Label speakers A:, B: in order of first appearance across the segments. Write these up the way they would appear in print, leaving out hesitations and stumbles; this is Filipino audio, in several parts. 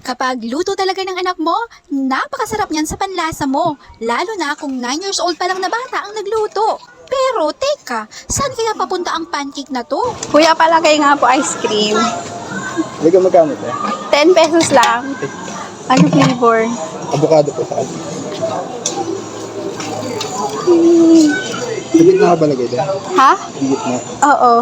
A: Kapag luto talaga ng anak mo, napakasarap niyan sa panlasa mo. Lalo na kung 9 years old pa lang na bata ang nagluto. Pero teka, saan kaya papunta ang pancake na to?
B: Kuya, palagay nga po ice cream.
C: Hindi ka magkano ito?
B: 10 pesos lang. Ano flavor?
C: Avocado po sa akin. Higit na ka balagay dyan?
B: Ha?
C: Higit na.
B: Oo.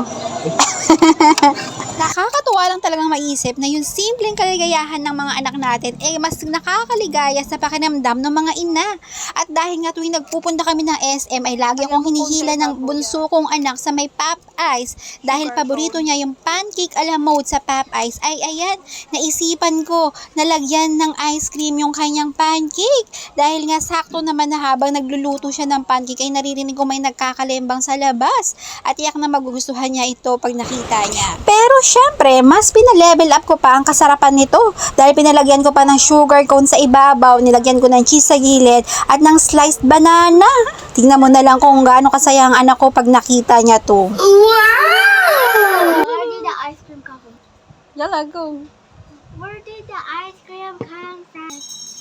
A: Nakakatuwa lang talagang maisip na yung simpleng kaligayahan ng mga anak natin mas nakakaligaya sa pakinamdam ng mga ina. At dahil nga tuwing nagpupunta kami ng SM ay lagi akong hinihila ng bunso kong anak sa may Pop Ice. Dahil paborito niya yung pancake a la mode sa Pop Ice ay ayan, naisipan ko na lagyan ng ice cream yung kanyang pancake. Dahil nga sakto naman na habang nagluluto siya ng pancake ay naririnig ko may nagkakalembang sa labas. At iyak na magugustuhan niya ito pag nakita niya. Pero syempre, mas pinalevel up ko pa ang kasarapan nito dahil pinalagyan ko pa ng sugar cone sa ibabaw, nilagyan ko ng cheese sa gilid at ng sliced banana. Tingnan mo na lang kung gaano kasaya ang anak ko pag nakita niya to.
D: Where did the ice cream come from?
B: Yala, go.
D: Where did the ice cream come from?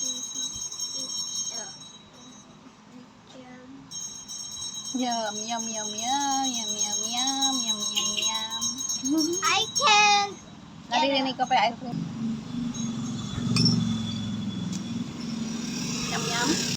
B: Yum, yum, yum, yum, yum, yum, yum, yum, yum, yum.
D: I can't.
B: Naririnig ko pa yung ice cream. Yum, yum.